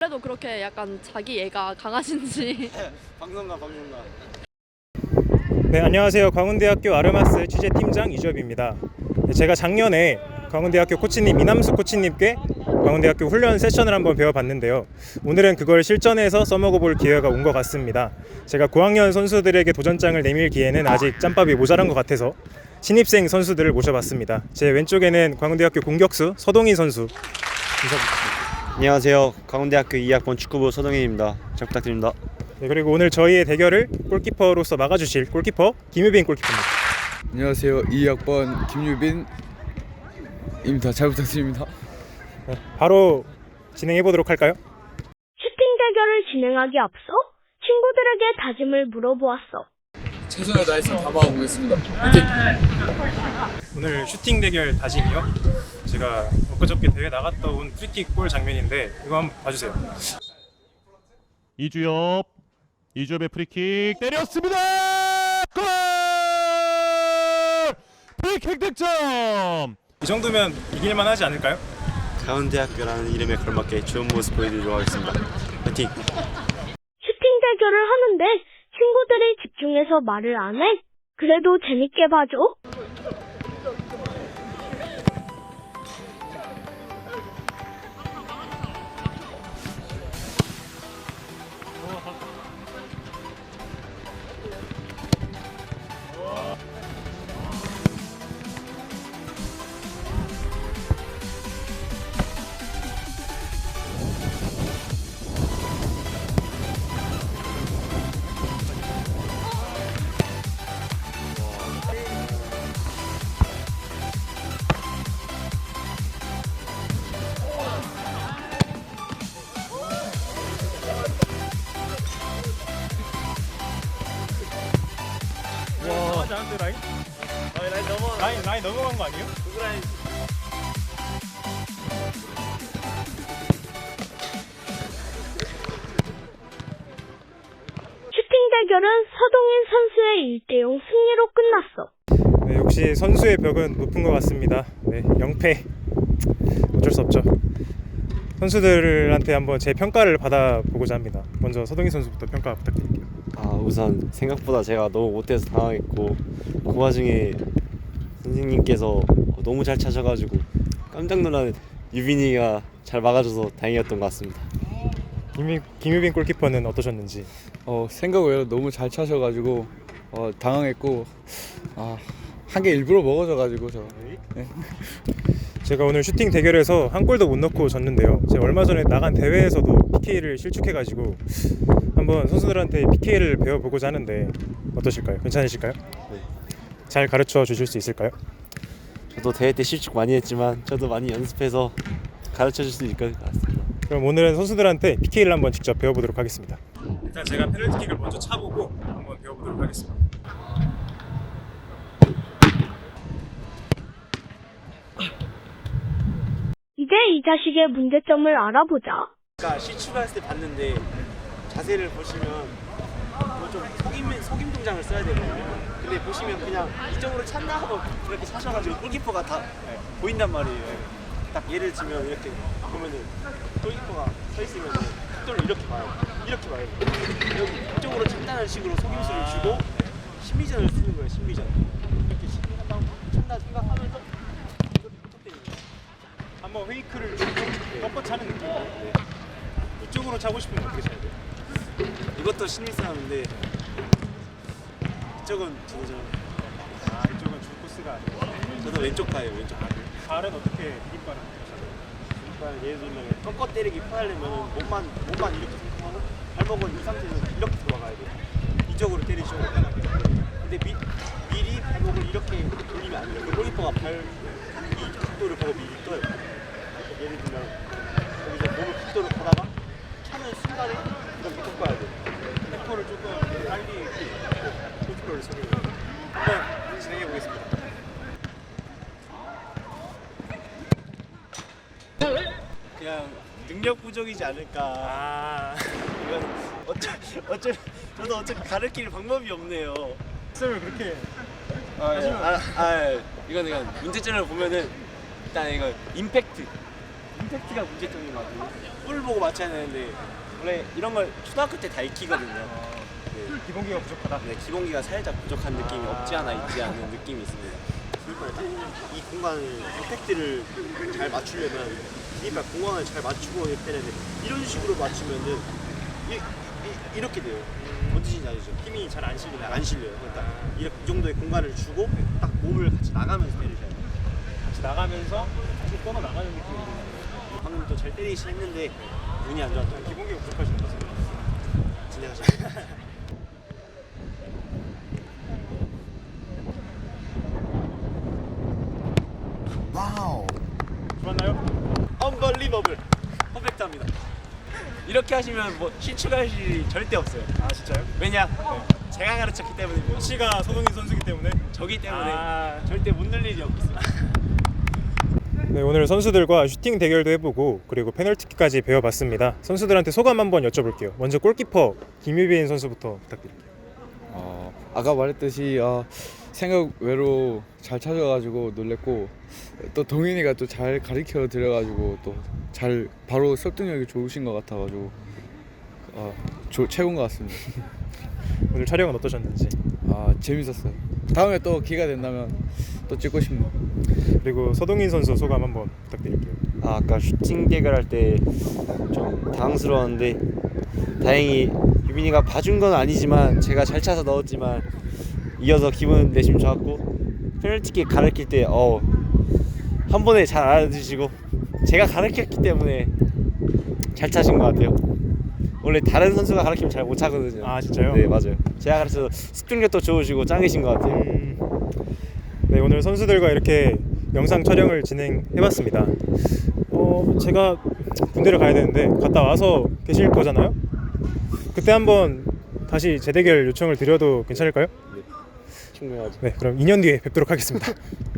평소에도 그렇게 약간 자기 애가 강하신지. 방송가. 네, 안녕하세요. 광운대학교 아르마스 취재팀장 이주엽입니다. 제가 작년에 광운대학교 코치님 이남수 코치님께 광운대학교 훈련 세션을 한번 배워봤는데요. 오늘은 그걸 실전에서 써먹어볼 기회가 온 것 같습니다. 제가 고학년 선수들에게 도전장을 내밀 기회는 아직 짬밥이 모자란 것 같아서 신입생 선수들을 모셔봤습니다. 제 왼쪽에는 광운대학교 공격수 서동인 선수 인사드립니다. 안녕하세요. 강원대학교 2학번 축구부 서동인입니다. 잘 부탁드립니다. 네, 그리고 오늘 저희의 대결을 골키퍼로서 막아주실 골키퍼 김유빈 골키퍼입니다. 안녕하세요. 2학번 김유빈입니다. 잘 부탁드립니다. 네, 바로 진행해 보도록 할까요? 슈팅 대결을 진행하기 앞서 친구들에게 다짐을 물어보았어. 최선을 다해서 담아보겠습니다. 화이팅! 오늘 슈팅 대결 다짐이요. 제가 엊그저께 대회 나갔다 온 프리킥 골 장면인데 이거 한번 봐주세요. 이주엽의 프리킥 때렸습니다. 골! 프리킥 득점. 이 정도면 이길만 하지 않을까요? 강원대학교라는 이름에 걸맞게 좋은 모습 보여드리도록 하겠습니다. 화이팅! 슈팅 대결을 하는데 친구들이 집중해서 말을 안 해. 그래도 재밌게 봐줘. 와, 나한테 라인? 라인 넘어간 거 아니에요? 슈팅 대결은 서동인 선수의 1대0 승리로 끝났어. 네, 역시 선수의 벽은 높은 것 같습니다. 네, 0패 어쩔 수 없죠. 선수들한테 한번 제 평가를 받아보고자 합니다. 먼저 서동희 선수부터 평가 부탁드릴게요. 우선 생각보다 제가 너무 못해서 당황했고 그 와중에 선생님께서 너무 잘 차셔가지고 깜짝 놀란 유빈이가 잘 막아줘서 다행이었던 것 같습니다. 김유빈 골키퍼는 어떠셨는지? 생각 외로 너무 잘 차셔가지고 당황했고 한 개 일부러 먹어져가지고 저. 네. 제가 오늘 슈팅 대결에서 한 골도 못 넣고 졌는데요. 제가 얼마 전에 나간 대회에서도 PK를 실축해가지고 한번 선수들한테 PK를 배워보고자 하는데 어떠실까요? 괜찮으실까요? 네. 잘 가르쳐 주실 수 있을까요? 저도 대회 때 실축 많이 했지만 저도 많이 연습해서 가르쳐 줄 수 있을 것 같습니다. 그럼 오늘은 선수들한테 PK를 한번 직접 배워보도록 하겠습니다. 일단 제가 페널티킥을 먼저 차보고 한번 배워보도록 하겠습니다. 이제 이 자식의 문제점을 알아보자. 아까 실축했을 때 봤는데 자세를 보시면 좀 속임 동작을 써야 되거든요. 근데 보시면 그냥 이쪽으로 찼나 하고 이렇게 차셔가지고 골키퍼가 다 보인단 말이에요. 딱 예를 들면 이렇게 보면은 골키퍼가 서 있으면 속도를 이렇게 봐요. 이렇게 봐요. 여기 이쪽으로 찬다는 식으로 속임수를 주고 심리전을 쓰는 거예요. 심리전. 이렇게 찬다 생각하면서 이렇게 부탁드리는 거예요. 한번 페이크를 주고 꺾어 차는 느낌. 네. 이쪽으로 차고 싶으면 어떻게 차야 돼요? 이것도 신입 사람인데 이쪽은 저도 이쪽은 줄 코스가 아니고 저도 왼쪽 파예요. 왼쪽 파. 발은 어떻게 디딤발은 그러니까 예를 들면 꺾어 때리기 편하려면 몸만 이렇게 생각하고 발목은 이 상태에서 이렇게 들어가야 돼요. 이쪽으로 때리죠. 근데 미리 발목을 이렇게 돌리면 안 돼요. 그 골키퍼가 이 각도를 보고 미리 떠요. 예를 들면 여기서 몸을 각도를 보다가 차는 순간에 이렇게 꺾어야 돼요. 템포를 조금 빨리 골키퍼를 서게 한번 진행해 보겠습니다. 그냥 능력 부족이지 않을까. 이건 저도 어차피 가르칠 방법이 없네요. 쌤을 그렇게 이건 문제점을 보면은 일단 이거 임팩트 임팩트가 문제점인 것 같아요. 볼 보고 맞춰야 되는데 원래 이런 걸 초등학교 때 다 익히거든요. 네. 기본기가 부족하다. 네, 기본기가 살짝 부족한 느낌이 없지 않아 있지 않은 느낌이 있습니다. 이 공간을 임팩트를 잘 맞추려면 그러니까 공간을 잘 맞추고 해야 되는데 이런 식으로 맞추면은 이렇게 돼요. 뭔지 아시죠? 힘이 잘 안 실리면 안 실려요. 그러니까 이 정도의 공간을 주고 딱 몸을 같이 나가면서 때리셔야 돼요. 같이 나가면서 계속 뻗어 나가는 느낌이. 방금 또 잘 때리시 했는데 운이 안 좋았던 기본기가 부족하신 것 같습니다. 진행하시죠. 좋았나요? 언벌리버블 퍼펙트합니다. 이렇게 하시면 뭐 실추할 일이 절대 없어요. 아 진짜요? 왜냐? 제가 가르쳤기 때문이고요. 코치가 서동인 선수이기 때문에. 저기 때문에 아. 절대 못 늘 일이 없겠습니다. 네, 오늘 선수들과 슈팅 대결도 해보고 그리고 페널티킥까지 배워봤습니다. 선수들한테 소감 한번 여쭤볼게요. 먼저 골키퍼 김유빈 선수부터 부탁드릴게요. 아까 말했듯이 생각 외로 잘 찾아가지고 놀랬고 또 동인이가 또 잘 가르쳐 드려가지고 또 잘 바로 설득력이 좋으신 것 같아가지고 최고인 것 같습니다. 오늘 촬영은 어떠셨는지. 재밌었어요. 다음에 또 기회가 된다면 또 찍고 싶네요. 그리고 서동인 선수 소감 한번 부탁드릴게요. 아까 슈팅 대결할 때 좀 당황스러웠는데 다행히 유빈이가 봐준 건 아니지만 제가 잘 차서 넣었지만 이어서 기분 내심 좋았고 페널티킥 가르칠 때 한 번에 잘 알아주시고 제가 가르쳤기 때문에 잘 차신 것 같아요. 원래 다른 선수가 가르치면 잘 못 차거든요. 아 진짜요? 네 맞아요. 제가 가르쳐서 습득력도 좋으시고 짱이신 것 같아요. 네, 오늘 선수들과 이렇게 영상 촬영을 진행해봤습니다. 제가 군대를 가야 되는데 갔다 와서 계실 거잖아요? 그때 한번 다시 재대결 요청을 드려도 괜찮을까요? 충분하죠. 네, 그럼 2년 뒤에 뵙도록 하겠습니다.